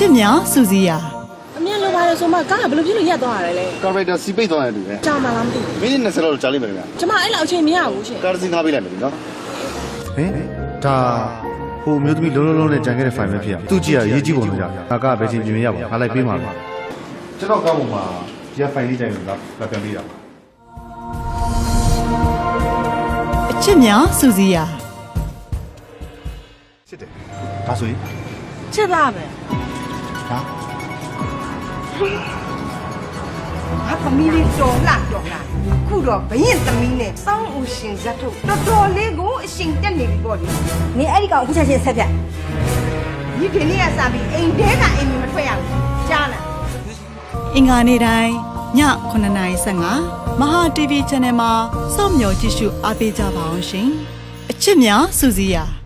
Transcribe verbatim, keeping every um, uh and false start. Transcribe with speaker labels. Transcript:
Speaker 1: ချစ်များစူစီယာ
Speaker 2: အမြင်လိုပါတယ်ဆိုမှကားကဘယ်လိုဖြစ်လို့ရက်သွားရလဲ
Speaker 3: ကာရိုက်တာစီပိတ်သွားတယ်တူပဲ
Speaker 2: ကြာမှလားမသိဘူး
Speaker 3: မိနစ်၂၀လောက်ကြာလိမ့်မယ်ခင်ဗျာ
Speaker 2: ကျမအဲ့လောက်အချိန်မရဘူးရှင်
Speaker 3: ကားစီငါးပေးလိုက်မယ်နော်
Speaker 4: ဟင်ဒါဟိုမျိုးသမီးလုံးလုံးလုံးနဲ့ကြံခဲ့တဲ့ဖိုင်ပဲဖြစ်ရသူကြည့်ရရေးကြည့်ပုံလို့ကြာငါကပဲချင်းပြင်ရပါငါလိုက်ပေးမှာပဲကျွန်တော်ကောင်းပုံမှာဒီဖိုင်လေးကြိုင်လို့လာပြန်ပေးတာ
Speaker 1: အချစ်များစူစီယာ
Speaker 4: စစ်တယ်ဒါဆိုရင်
Speaker 2: ချစ်သားပဲ
Speaker 4: ဟာ
Speaker 5: ငါသမီးလေးတော်လာတော်လာခုတော့ဘရင်သမီးနဲ့စောင်းဦးရှင်ဇတ်ထုတ်တော်တော်လေးကိုအရှင်တက်နေပြီပေါ့လေနင်အဲ့ဒီကောင်အခုချက်ချင်းဆက်ပြဒီဒီနေ့ကစပြီးအိမ်ထဲကအိမ်မထွက်ရဘူးကြားလား
Speaker 1: အင်္ဂါနေ့တိုင်းညခုနှစ်နာရီဆယ့်ငါမဟာ တီဗီ Channel မှာစောင့်မျှော်ကြည့်ရှုအားပေးကြပါအောင်ရှင်အချစ်များစူစီယာ